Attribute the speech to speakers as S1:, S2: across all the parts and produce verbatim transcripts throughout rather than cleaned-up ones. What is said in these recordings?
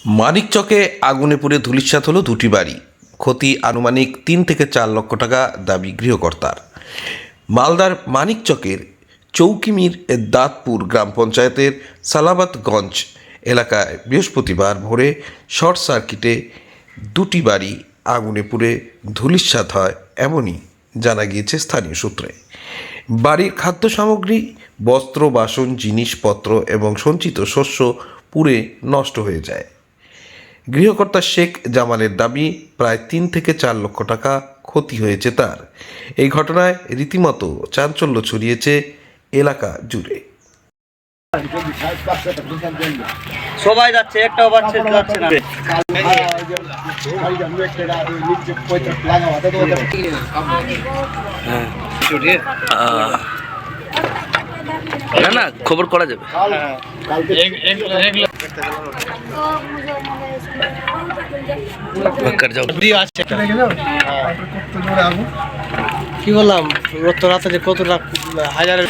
S1: মানিকচকে আগুনে পুড়ে ধূলিসাৎ হলো দুটি বাড়ি। ক্ষতি আনুমানিক তিন থেকে চার লক্ষ টাকা, দাবি গৃহকর্তার। মালদার মানিকচকের চৌকিমির দাঁতপুর গ্রাম পঞ্চায়েতের সালাবাতগঞ্জ এলাকায় বৃহস্পতিবার ভোরে শর্ট সার্কিটে দুটি বাড়ি আগুনে পুড়ে ধূলিসাৎ হয়, এমনই জানা গিয়েছে স্থানীয় সূত্রে। বাড়ির খাদ্য সামগ্রী, বস্ত্র, বাসন, জিনিসপত্র এবং সঞ্চিত শস্য পুড়ে নষ্ট হয়ে যায়। গৃহকর্তা শেখ জামালের দাবি, প্রায় তিন থেকে চার লক্ষ টাকা ক্ষতি হয়েছে তার। এই ঘটনায় রীতিমতো চাঞ্চল্য ছড়িয়েছে এলাকা জুড়ে।
S2: সবাই যাচ্ছে, একটাও বাচ্চা যাচ্ছে না।
S3: না না খবর করা যাবে।
S2: কি বললাম, রত রাতে যে কত হাজারের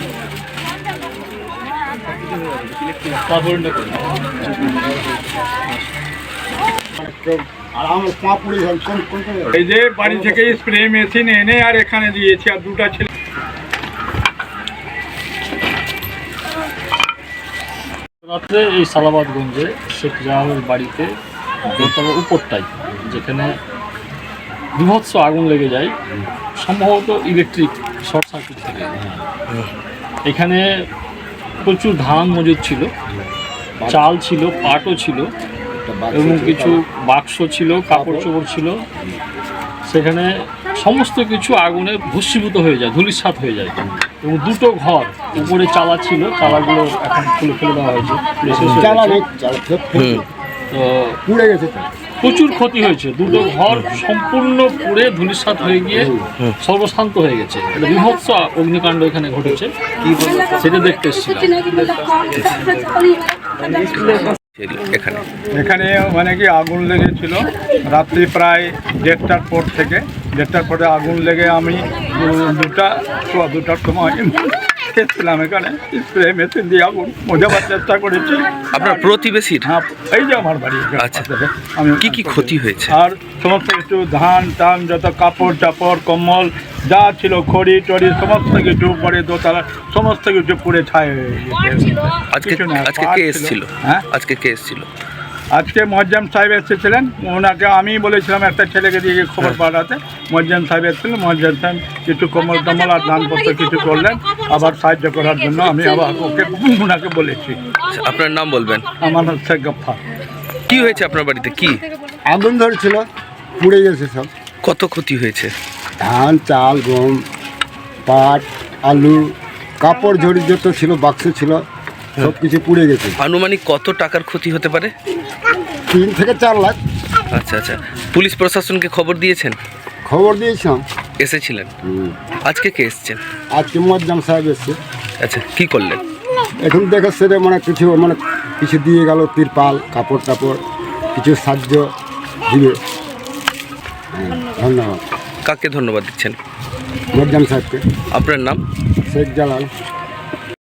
S4: এই যে বাড়ি থেকে স্প্রে মেশিন এনে আর এখানে দিয়েছি, আর দুটা ছেলে
S5: রাত্রে এই সালাবাতগঞ্জে শেখ জাহালের বাড়িতে দোতলার উপরটাই যেখানে বিভৎস আগুন লেগে যায়, সম্ভবত ইলেকট্রিক শর্ট সার্কিট থেকে। এখানে প্রচুর ধান মজুদ ছিল, চাল ছিল, পাটও ছিল এবং কিছু বাক্স ছিল, কাপড় চোপড় ছিল। সেখানে সমস্ত কিছু আগুনে ভস্মীভূত হয়ে যায়, ধূলিসাৎ হয়ে যায়। এবং দুটো ঘর উপরে চালা ছিল, চালাগুলো এখন খুলে ফেলে দেওয়া হয়েছে। তো পুড়ে গেছে, প্রচুর ক্ষতি হয়েছে। দুটো ঘর সম্পূর্ণ পুড়ে ধূলিসাৎ হয়ে গিয়ে সর্বশান্ত হয়ে গেছে। একটা বিভৎস অগ্নিকাণ্ড এখানে ঘটেছে, সেটা দেখতে এসেছিলাম।
S3: এখানে
S4: এখানে মানে কি আগুন লেগেছিল রাত্রি প্রায় দেড়টার পর থেকে। দেড়টার পরে আগুন লেগে আমি দুটা সোয়া দুটার সময় এসেছিলাম এখানে, স্প্রে মেশিন দিয়ে আগুন বোঝাবার চেষ্টা করেছি।
S3: আপনার প্রতিবেশীর?
S4: হ্যাঁ, এই যে আমার বাড়ি।
S3: আচ্ছা,
S4: আমি
S3: কি কি ক্ষতি হয়েছে?
S4: আর সমস্ত কিছু ধান টান, যত কাপড় চাপড়, কম্বল যা ছিল, খড়ি টড়ি সমস্ত কিছু পরে দোতলা সমস্ত কিছু পুড়ে ছাই হয়ে গেছে।
S3: আজকে আজকে কে এসেছিল?
S4: হ্যাঁ,
S3: আজকে কে এসেছিল?
S4: আজকে মোয়াজ্জেম সাহেব এসেছিলেন। ওনাকে আমি বলেছিলাম একটা ছেলেকে দিয়ে খবর পাঠাতে। মোয়াজ্জেম সাহেব এসেছিলেন। মোয়াজ্জেম সাহেব কিছু কম্বল টম্বল আর ধানপত্র কিছু করলেন, আবার সাহায্য করার জন্য আমি আবার ওকে ওনাকে বলেছি।
S3: আপনার নাম বলবেন?
S4: আমার নাম শেখ গফফার।
S3: কি হয়েছে আপনার বাড়িতে? কি
S6: আগুন ধরেছিল, পুড়ে গেছে সব।
S3: কত ক্ষতি হয়েছে?
S6: ধান, চাল, গম, পাট, আলু, কাপড় ঝড়ি যত ছিল, বাক্স ছিল, সব কিছু পুড়ে গেছে।
S3: আনুমানিক কত টাকার ক্ষতি হতে পারে?
S6: তিন থেকে চার লাখ।
S3: আচ্ছা আচ্ছা, পুলিশ প্রশাসনকে খবর দিয়েছেন?
S6: খবর দিয়েছিলাম।
S3: এসেছিলেন? আজকে কে এসছেন?
S6: আজকে মোয়াজ্জেম সাহেব এসছে।
S3: আচ্ছা, কি করলেন?
S6: এখন দেখো সেটা মানে কিছু মানে কিছু দিয়ে গেল, তিরপাল, কাপড় টাপড়, কিছু সাহায্য দিবে। ধন্যবাদ।
S3: কাকে ধন্যবাদ দিচ্ছেন?
S6: মোয়াজ্জেম সাহেবকে।
S3: আপনার নাম?
S6: শেখ জালাল।